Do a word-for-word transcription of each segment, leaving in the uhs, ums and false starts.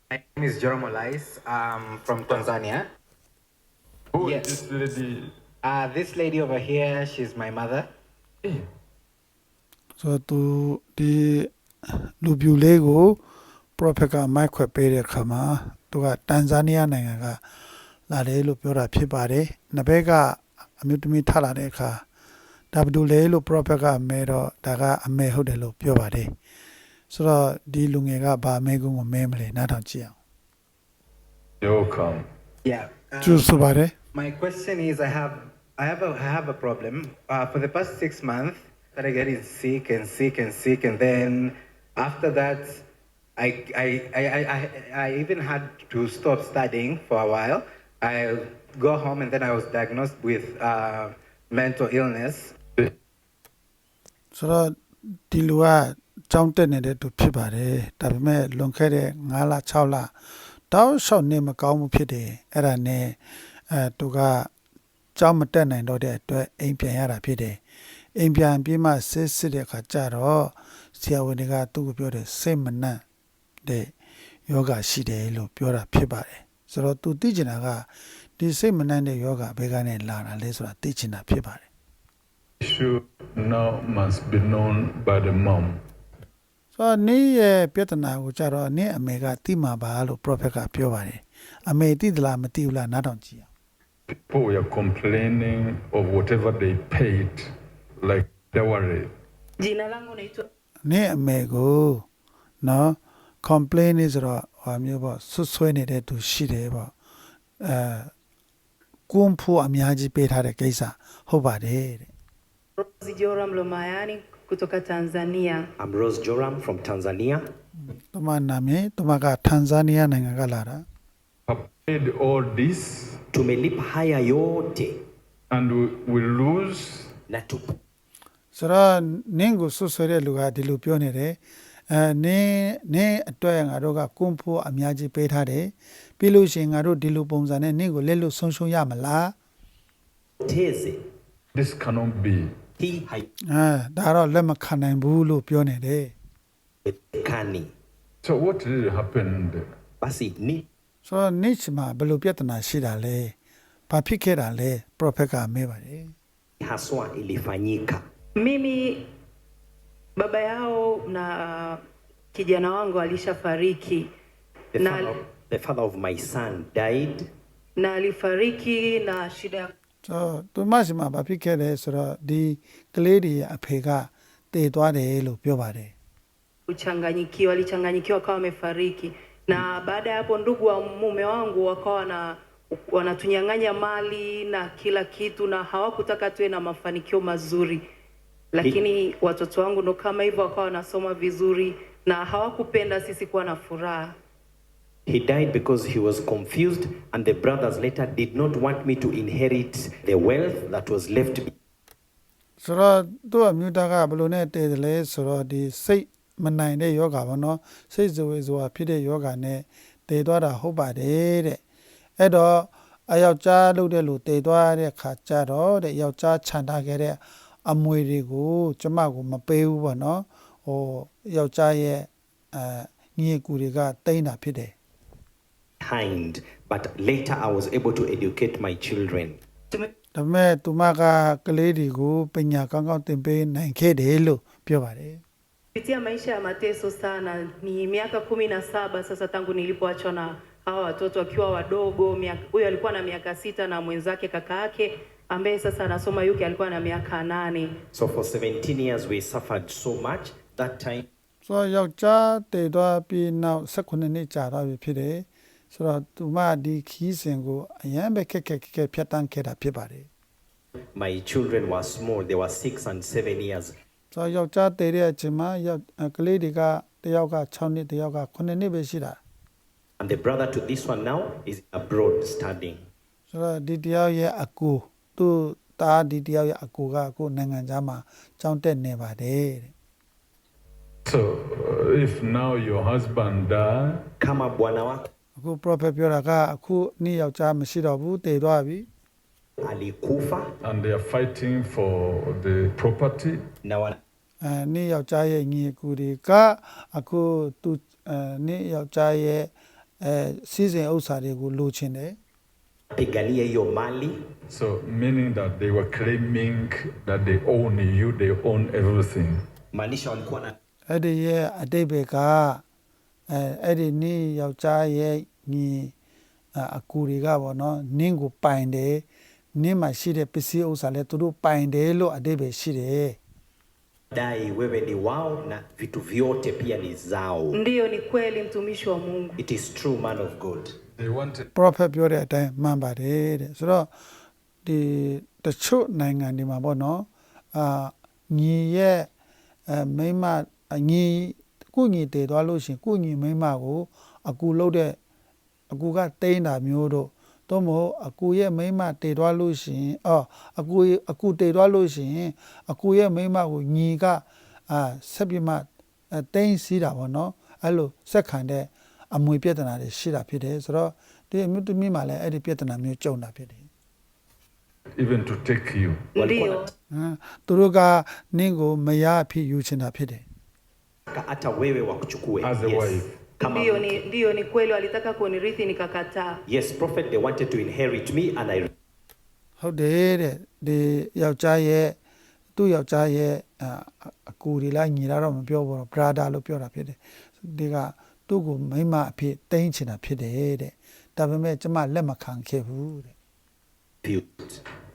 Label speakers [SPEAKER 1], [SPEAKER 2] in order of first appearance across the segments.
[SPEAKER 1] My name is Joram Olais. I'm from Tanzania.
[SPEAKER 2] Who is
[SPEAKER 1] Yes.
[SPEAKER 2] this lady?
[SPEAKER 1] Uh, this lady over here, she's my mother.
[SPEAKER 2] Eh,
[SPEAKER 3] so သူဒီလူပြူလေးကို prophet ကမိုက်ခွက်ပေးတဲ့အခါမှာသူကတန်ဇာနီးယားနိုင်ငံကလာတယ်လို့ပြောတာဖြစ်ပါတယ်။နှစ်ဘက်ကအမျိုးသမီးထလာတဲ့အခါဒါဘဒူလေလို့ prophet ကမဲတော့ဒါကအမဲဟုတ်တယ်လို့ပြောပါတယ်။ဆိုတော့ဒီလူငယ်ကဗာမဲကုန်းကိုမဲမလဲနားထောင်ကြည့်အောင်
[SPEAKER 2] you're welcome.
[SPEAKER 1] Yeah. Um,
[SPEAKER 3] ကျူဆိုပါတယ်
[SPEAKER 1] my question is, I have, I have a, I have a problem. Uh, for the past six months, that I getting sick and sick and sick, and then after that, I, I, I, I, I, I even had to stop studying for a while. I go home, and then I was diagnosed with uh, mental illness.
[SPEAKER 3] ဆိုတော့ဒီလူကကြောင်းတက်နေတဲ့သူဖြစ်ပါတယ်ဒါပေမဲ့လွန်ခဲ့တဲ့၅လ၆လတောက်လျှောက်နေမကောင်းမှုဖြစ်တယ်အဲ့ဒါနဲ့အဲသူကကြောင်းမတက်နိုင်တော့တဲ့အတွက်အိမ်ပြန်ရတာဖြစ်တယ်အိမ်ပြန်ပြီးမှစစ်စစ်တဲ့အခါကျတော့ဆရာဝန်တွေကသူ့ကိုပြောတယ်စိတ်မနှံ့တဲ့ယောဂရှိတယ်လို့ပြောတာဖြစ်ပါတယ်ဆိုတော့သူသိချင်တာကဒီစိတ်မနှံ့တဲ့ယောဂဘယ်ကနေလာတာလဲဆိုတာသိချင်တာဖြစ်ပါတယ်
[SPEAKER 2] Issue now must be known by the mom.
[SPEAKER 3] ဆိုတော့နေ့ရဲ့ပြဿနာကိုကြတော့နေ့အမေကတိမှာပါလို့ prophet ကပြောပါတယ်အမေတိသလားမတိဘူးလားနားထောင်ကြည့်အောင်
[SPEAKER 2] People were complaining of whatever they paid, like dowry.
[SPEAKER 4] Jina langu naitwa
[SPEAKER 3] နေ့အမေကိုနော် complain နေဆိုတော့ဟောမျိုးပေါ့ဆွဆွဲနေတဲ့သူရှိတယ်ပေါ့အဲကွန်ဖို့အများကြီးပေးထားတဲ့ကိစ္စဟုတ်ပါတယ်တဲ့
[SPEAKER 4] Rose Joram Lomayani kutoka Tanzania.
[SPEAKER 5] I'm Rose Joram from Tanzania.
[SPEAKER 3] သူမနာမည်သူမကတန်ဇာနီးယားနိုင်ငံကလာတာ
[SPEAKER 2] Have paid all this
[SPEAKER 5] Tumelipa haya yote
[SPEAKER 2] and we will lose.
[SPEAKER 5] na tu
[SPEAKER 3] ဆိုတော့နင်းကိုဆွဆွဲတဲ့လူကဒီလိုပြောနေတယ်အဲနင်းနင်းအတွက်ငါတို့ကကွန်ဖို့အများကြီးပေးထားတယ်ပြီးလို့ရှိရင်ငါတို့ဒီလိုပုံစံနဲ့နင်းကိုလက်လွတ်ဆုံးရှုံးရမလား
[SPEAKER 5] teze
[SPEAKER 2] This cannot be.
[SPEAKER 5] hii
[SPEAKER 3] အဲဒါတော့လက်မခံနိုင်ဘူးလို့ပြောနေတယ်
[SPEAKER 5] haiwezekani.
[SPEAKER 2] So what really happened?
[SPEAKER 5] Basi ni
[SPEAKER 3] ဆိုတော့နိချမှာဘယ်လိုပြဿနာရှိတာလဲဘာဖြစ်ခဲ့တာလဲ prophet ကမေးပါတယ်
[SPEAKER 5] haswa ilifanyika.
[SPEAKER 4] Mimi baba yao na kijana wangu alishafariki
[SPEAKER 5] The
[SPEAKER 4] na,
[SPEAKER 5] father, the father of my son died.
[SPEAKER 4] na alifariki na shida ya
[SPEAKER 3] ဆိုတော့သူမရှိမှာဘာဖြစ်ခဲ့လဲဆိုတော့ဒီကလေးတွေရဲ့အဖေကတည်သွားတယ်လို့ပြောပါတယ်
[SPEAKER 4] kuchanganyikiwa, alichanganyikiwa akawa amefariki, na baada ya hapo ndugu wa mume wangu wakawa na wanatunyang'anya mali na kila kitu, na hawakutaka tuwe na mafanikio mazuri, lakini watoto wangu ndo kama hivyo wakawa wanasoma vizuri na hawakupenda sisi kuwa na furaha.
[SPEAKER 5] He died because he was confused, and the brothers later did not want me to inherit the wealth that was left. be-
[SPEAKER 3] ဆိုတော့သူ့အမျိုးသားကဘယ်လိုနဲ့တည်တယ်လဲဆိုတော့ဒီစိတ်မနိုင်တဲ့ယောဂါပေါ့နော်စိတ်ဇဝေဇဝါဖြစ်တဲ့ယောဂါနဲ့တည်သွားတာဟုတ်ပါတယ်တဲ့အဲ့တော့အယောက်ျားလုပ်တဲ့လူတည်သွားတဲ့ခါကျတော့တဲ့ယောက်ျားခြံထားခဲ့တဲ့အမွေတွေကိုကျမကိုမပေးဘူးပေါ့နော်ဟိုယောက်ျားရဲ့အဲညီအကူတွေကတိမ့်တာဖြစ်တယ်
[SPEAKER 5] Behind, but later I was able to educate my children.
[SPEAKER 4] Tume-
[SPEAKER 3] ဒါပေမဲ့သူမကကလေးတွေကိုပညာကောင်းကောင်းသင်ပေးနိုင်ခဲ့တယ်လို့ပြောပါတယ်
[SPEAKER 4] Pitia maisha ya mateso sana. Ni miaka kumi na saba sasa tangu nilipoachwa na hawa watoto wakiwa wadogo. Miaka- Huyu alikuwa na miaka sita na mwenzake kaka yake ambaye sasa anasoma yuke alikuwa na miaka nane.
[SPEAKER 5] So for seventeen years we suffered so much. That time
[SPEAKER 3] ဆိုတော့ယောက်ျားတည်သွားပြီးနောက်၁၈နှစ်ကြာတော့ပြီဖြစ်တယ်ဆိုတော့သူမဒီခီးစဉ်ကိုအရန်ပဲခက်ခက်ခက်ခက်ဖြတ်တန်းခဲ့တာဖြစ်ပါတယ်
[SPEAKER 5] my children were small. They were six and seven years.
[SPEAKER 3] ဆိုတော့ယောက်ျားတည်တဲ့အချိန်မှာယောက်ကလေးတွေကတယောက်က၆နှစ်တယောက်က9နှစ်ပဲရှိတာ
[SPEAKER 5] And the brother to this one now is abroad studying.
[SPEAKER 3] ဆိုတော့ဒီတယောက်ရဲ့အကူသူ့သားဒီတယောက်ရဲ့အကူကအခုနိုင်ငံခြားမှာကျောင်းတက်နေပါတယ်တဲ့
[SPEAKER 2] So uh, if now your husband died,
[SPEAKER 5] Kama bwana wako
[SPEAKER 3] အခု prophet ပြောတာကအခုနေ့ယောက်ျားမရှိတော့ဘူးတည်သွားပြီ
[SPEAKER 5] alikufa
[SPEAKER 2] and they are fighting for the property,
[SPEAKER 5] na wana
[SPEAKER 3] အဲနေ့ယောက်ျားရဲ့ညီအကူတွေကအခုသူအဲနေ့ယောက်ျားရဲ့အဲစီးစိမ်ဥစ္စာတွေကိုလိုချင်တယ်
[SPEAKER 5] pigania hiyo mali.
[SPEAKER 2] So, meaning that they were claiming that they own you, they own everything.
[SPEAKER 5] Maanisha walikuwa na
[SPEAKER 3] အဲ့ဒီရဲ့အတိတ်ဘက်ကအဲအဲ့ဒီနင်းယောက်ျားရဲ့ညီအကူတွေကပေါ့နော်နင်းကိုပိုင်တယ်နင်းမှာရှိတဲ့ပစ္စည်းဥစ္စာလည်းသူတို့ပိုင်တယ်လို့အတိတ်ပဲရှိတယ်
[SPEAKER 5] dai wewe ni wao na vitu vyote pia ni zao.
[SPEAKER 4] Ndiyo, ni kweli mtumishi wa Mungu.
[SPEAKER 5] It is true, man of God.
[SPEAKER 2] They wanted
[SPEAKER 3] prophet ပြောတဲ့အတိုင်းမှန်ပါတယ်တဲ့ဆိုတော့ဒီတချို့နိုင်ငံတွေမှာပေါ့နော်အာညီရဲ့အဲမိန်းမညီကုညီတည်သွားလို့ရှိရင်ကုညီမိန်းမကိုအကူလုပ်တဲ့အကူကတိန်းတာမျိုးတို့တော့မဟုတ်အကူရဲ့မိန်းမတည်သွားလို့ရှိရင်အော်အကူအကူတည်သွားလို့ရှိရင်အကူရဲ့မိန်းမကိုညီကအာဆက်ပြမတိန်းစီးတာပေါ့နော်အဲ့လိုဆက်ခံတဲ့အမွေပြဿနာတွေရှိတာဖြစ်တယ်ဆိုတော့ဒီအမျိုးသမီးမှလည်းအဲ့ဒီပြဿနာမျိုးကြုံတာဖြစ်တယ်
[SPEAKER 2] even to take you.
[SPEAKER 4] Ndiyo,
[SPEAKER 3] ဟမ်သူတို့ကနင်းကိုမရအဖြစ်ယူချင်တာဖြစ်တယ်
[SPEAKER 5] Ka- hata wewe wakuchukue.
[SPEAKER 2] As a wife.
[SPEAKER 5] Kama
[SPEAKER 4] ndiyo ni, ndiyo ni kweli walitaka kunirithi nikakataa.
[SPEAKER 5] yes, prophet, they wanted to inherit me and I
[SPEAKER 3] ဟုတ်တယ်တဲ့ဒီယောက်ျားရဲ့သူ့ယောက်ျားရဲ့အာအကူတွေလားညီလာတော့မပြောဘူးတော့ brother လို့ပြောတာဖြစ်တယ်ဒီကသူ့ကိုမိန်းမအဖြစ်တိန်းချင်တာဖြစ်တယ်တဲ့ဒါပေမဲ့ကျမလက်မခံခဲ့ဘူးတဲ့
[SPEAKER 5] refused.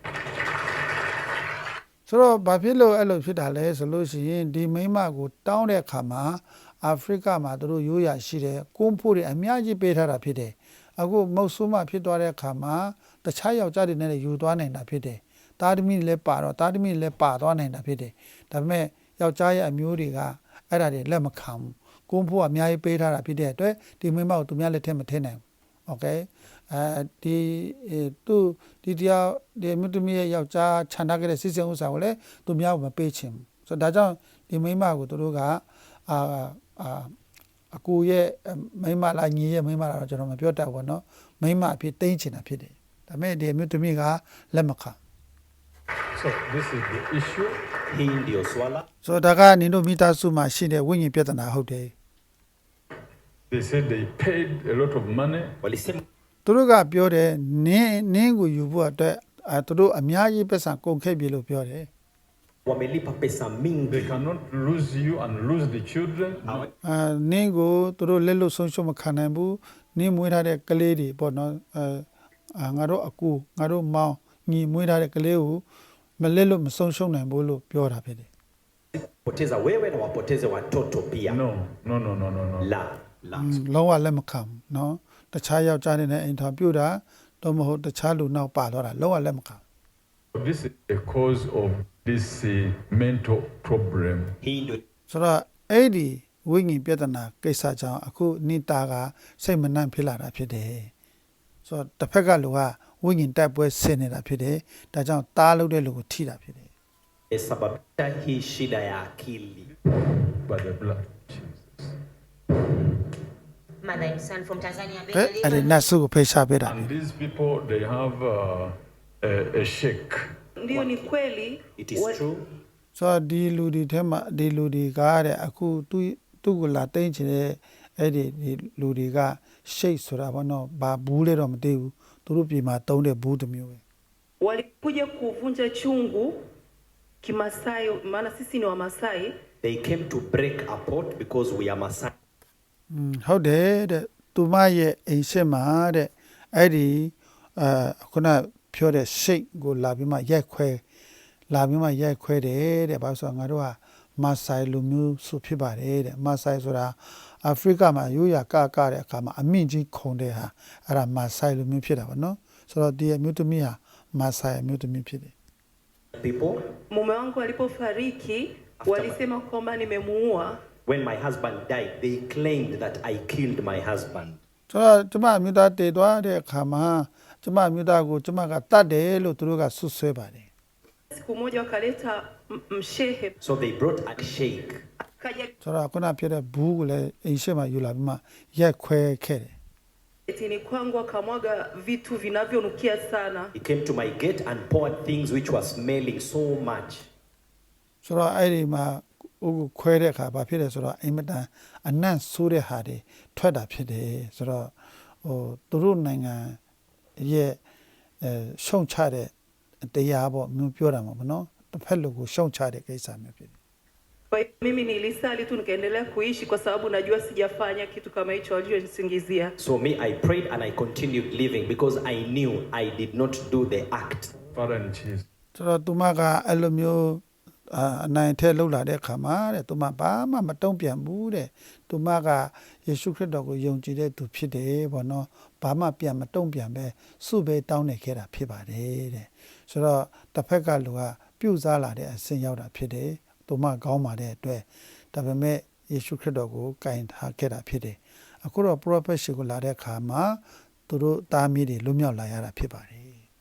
[SPEAKER 3] ဆိုတော့ဘာဖြစ်လို့အဲ့လိုဖြစ်တာလဲဆိုလို့ရှိရင်ဒီမိန်းမကိုတောင်းတဲ့အခါမှာအာဖရိကမှာသူတို့ရိုးရာရှိတယ်ကွန်းဖို့တွေအများကြီးပေးထားတာဖြစ်တယ်အခုမုတ်ဆိုးမဖြစ်သွားတဲ့အခါမှာတခြားယောက်ျားတွေနဲ့လည်းယူသွားနိုင်တာဖြစ်တယ်တာသမီလည်းပါတော့တာသမီလည်းပါသွားနိုင်တာဖြစ်တယ်ဒါပေမဲ့ယောက်ျားရဲ့အမျိုးတွေကအဲ့ဒါတွေလက်မခံဘူးကွန်းဖို့အများကြီးပေးထားတာဖြစ်တဲ့အတွက်ဒီမိန်းမကိုသူများလက်ထက်မထည့်နိုင်ဘူးโอเคအဲဒီသူဒီတရားဒီမြတ်သမီးရဲ့ယောက်ျားခြံထားခဲ့တဲ့စစ်စင်ဥစ္စာကိုလည်းသူများကိုမပေးချင်ဘူးဆိုတော့ဒါကြောင့်ဒီမိန်းမကိုသူတို့ကအာအာအကူရဲ့မိန်းမလားညီရဲ့မိန်းမလားတော့ကျွန်တော်မပြောတတ်ဘူးเนาะမိန်းမအဖြစ်တိမ့်ချင်တာဖြစ်တယ်ဒါပေမဲ့ဒီမြတ်သမီးကလက်မခံ
[SPEAKER 2] So, this is the issue.
[SPEAKER 5] Hii ndio swala.
[SPEAKER 3] ဆိုတော့ဒါကနင်တို့မိသားစုမှာရှိတဲ့ဝိညာဉ်ပြဿနာဟုတ်တယ်
[SPEAKER 2] They said they paid a lot of money.
[SPEAKER 5] Walisema
[SPEAKER 3] သူတို့ကပြောတယ်နင်းနင်းကိုယူဖို့အတွက်အဲသူတို့အများကြီးပတ်စံကုန်ခဲ့ပြီလို့ပြောတယ်
[SPEAKER 5] wamelipa pesa
[SPEAKER 2] They
[SPEAKER 5] mingi.
[SPEAKER 2] cannot lose you and lose the children. No.
[SPEAKER 3] အာနင်းကိုသူတို့လက်လို့ဆုံးရှုံးမခံနိုင်ဘူးနင်းမွေးထားတဲ့ကလေးတွေပေါ့နော်အဲအာငါတို့အကူငါတို့မောင်ညီမွေးထားတဲ့ကလေးကိုမလက်လို့မဆုံးရှုံးနိုင်ဘူးလို့ပြောတာဖြစ်တယ်
[SPEAKER 5] Poteza wewe na wapoteze watoto pia.
[SPEAKER 2] No, no, no, no, no, no.
[SPEAKER 5] La, la.
[SPEAKER 3] လုံးဝလက်မခံဘူးเนาะတခြားယောက်ျားတွေနဲ့အိမ်ထောင်ပြုတ်တာတော့မဟုတ်တခြားလူနောက်ပါတော့တာလုံးဝလက်မခံ
[SPEAKER 2] This is the cause of this uh, mental problem.
[SPEAKER 5] Hii ndio
[SPEAKER 3] ဆိုတော့အဲ့ဒီဝိညာဉ်ပြဿနာကိစ္စကြောင့်အခုနိတာကစိတ်မနှံ့ဖြစ်လာတာဖြစ်တယ်ဆိုတော့တစ်ဖက်ကလူကဝိညာဉ်တိုက်ပွဲဆင်နေတာဖြစ်တယ်ဒါကြောင့်တားလို့တဲ့လူကိုထိတာဖြစ်တယ်
[SPEAKER 5] sababisha hii shida ya akili.
[SPEAKER 2] By the blood of Jesus.
[SPEAKER 6] Mother and son from Tanzania.
[SPEAKER 3] ကဲအဲ့ဒီနတ်ဆုကိုဖိတ်ရှာပေးတာ
[SPEAKER 2] And these people, they have uh, a, a sheikh.
[SPEAKER 4] Ndiyo, ni kweli.
[SPEAKER 5] It is
[SPEAKER 4] wa-
[SPEAKER 5] true.
[SPEAKER 3] ဆိုတော့ဒီလူဒီထဲမှာဒီလူဒီကားတဲ့အခုသူသူ့ကိုလာတိမ့်ချင်တဲ့အဲ့ဒီဒီလူတွေကရှိတ်ဆိုတာဘောနော်ဘာဘူးလဲတော့မသိဘူးသူတို့ပြည်မှာတုံးတဲ့ဘူးတစ်မျိုးပဲ
[SPEAKER 4] walikuja kuvunja chungu Kimasai, maana sisi ni Wamasai.
[SPEAKER 5] They came to break a pot because we are Maasai.
[SPEAKER 3] อืมဟုတ်တယ်တဲ့သူမရဲ့အိမ်ရှက်မှာတဲ့အဲ့ဒီအာခုနပြောတဲ့ရှိတ်ကိုလာပြီးမှရိုက်ခွဲလာပြီးမှရိုက်ခွဲတယ်တဲ့ဘာလို့ဆိုတော့ငါတို့ကမာဆိုင်လူမျိုးစုဖြစ်ပါတယ်တဲ့မာဆိုင်ဆိုတာအာဖရိကမှာရိုးရာကကတဲ့အခါမှာအမြင့်ကြီးခုံတဲ့ဟာအဲ့ဒါမာဆိုင်လူမျိုးဖြစ်တာပေါ့နော်ဆိုတော့ဒီအမျိုးသမီးဟာမာဆိုင်အမျိုးသမီးဖြစ်တယ်
[SPEAKER 5] People,
[SPEAKER 4] Mume wangu alipofariki walisema kwamba nimemuua.
[SPEAKER 5] when my husband died, they claimed that I killed my husband.
[SPEAKER 3] ဆိုတော့ကျမအမျိုးသားတည်သွားတဲ့အခါမှာကျမအမျိုးသားကိုကျမကတတ်တယ်လို့သူတို့ကဆွဆွဲပါတယ်
[SPEAKER 4] Siku moja wakaleta m- mshehe
[SPEAKER 5] So they brought a sheikh.
[SPEAKER 4] akaja
[SPEAKER 3] ဆိုတော့ခုနပြောတဲ့ဘူးကိုလည်းအိမ်ရှိမှယူလာပြီးမှရက်ခွဲခဲ့တယ်
[SPEAKER 4] getini kwangu akamwaga vitu vinavyonukia sana.
[SPEAKER 5] He came to my gate and poured things which were smelling so much.
[SPEAKER 3] ဆိုတော့အဲ့ဒီမှာဥကိုခွဲတဲ့အခါဘာဖြစ်လဲဆိုတော့အင်မတန်အနံ့ဆိုးတဲ့ဟာတွေထွက်တာဖြစ်တယ်ဆိုတော့ဟိုသူတို့နိုင်ငံရဲ့အဲရှုံချတဲ့တရားပေါ့မျိုးပြောတာမှာပေါ့နော်တစ်ဖက်လူကိုရှုံချတဲ့ကိစ္စမျိုးဖြစ်တယ်
[SPEAKER 4] Kwa hiyo mimi nilisali tu nikaendelea kuishi kwa sababu najua sijafanya kitu kama hicho walichonisingizia.
[SPEAKER 5] So me, I prayed and I continued living because I knew I did not do the act.
[SPEAKER 2] Father in Jesus.
[SPEAKER 3] ဆိုတော့သူမကအဲ့လိုမျိုးအနိုင်ထဲလှုပ်လာတဲ့အခါမှာတဲ့သူမဘာမှမတုံ့ပြန်ဘူးတဲ့သူမကယေရှုခရစ်တော်ကိုယုံကြည်တဲ့သူဖြစ်တယ်ပေါ့နော်ဘာမှပြန်မတုံ့ပြန်ပဲစုပဲတောင်းနေခဲ့တာဖြစ်ပါတယ်တဲ့ဆိုတော့တစ်ဖက်ကလူကပြုတ်စားလာတဲ့အဆင့်ရောက်တာဖြစ်တယ်သူမကောင်းပါတဲ့အတွက်ဒါပေမဲ့ယေရှုခရစ်တော်ကိုကင်ထားခဲ့တာဖြစ်တယ်အခုတော့ prophet ရှိကိုလာတဲ့အခါမှာသူတို့သားမီးတွေလွတ်မြောက်လာရတာဖြစ်ပါတယ်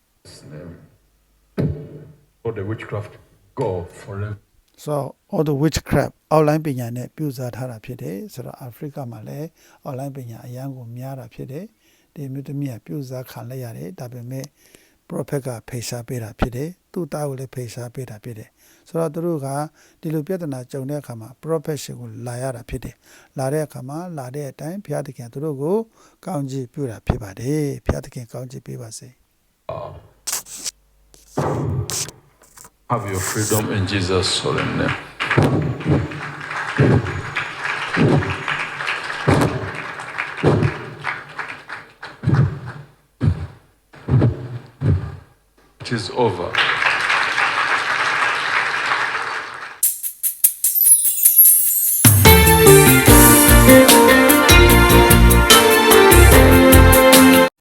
[SPEAKER 2] For the witchcraft, go forever.
[SPEAKER 3] so all the witchcraft online ပညာနဲ့ပြုစားထားတာဖြစ်တယ်ဆိုတော့အာဖရိကမှာလည်း online ပညာအရန်ကိုများတာဖြစ်တယ်ဒီမြို့သမီးကပြုစားခံလိုက်ရတယ်ဒါပေမဲ့ prophet ကဖေရှားပေးတာဖြစ်တယ်သူ့သားကိုလည်းဖေရှားပေးတာဖြစ်တယ်ဆိုတော့သူတို့ကဒီလိုပြဿနာကြုံတဲ့အခါမှာ prophet ရှင်ကိုလာရတာဖြစ်တယ်လာတဲ့အခါမှာလာတဲ့အတိုင်းဘုရားသခင်သူတို့ကိုကောင်းချီးပြုတာဖြစ်ပါတယ်ဘုရားသခင်ကောင်းချီးပေးပါစေ
[SPEAKER 2] Have your freedom in Jesus' solemn name. It is over.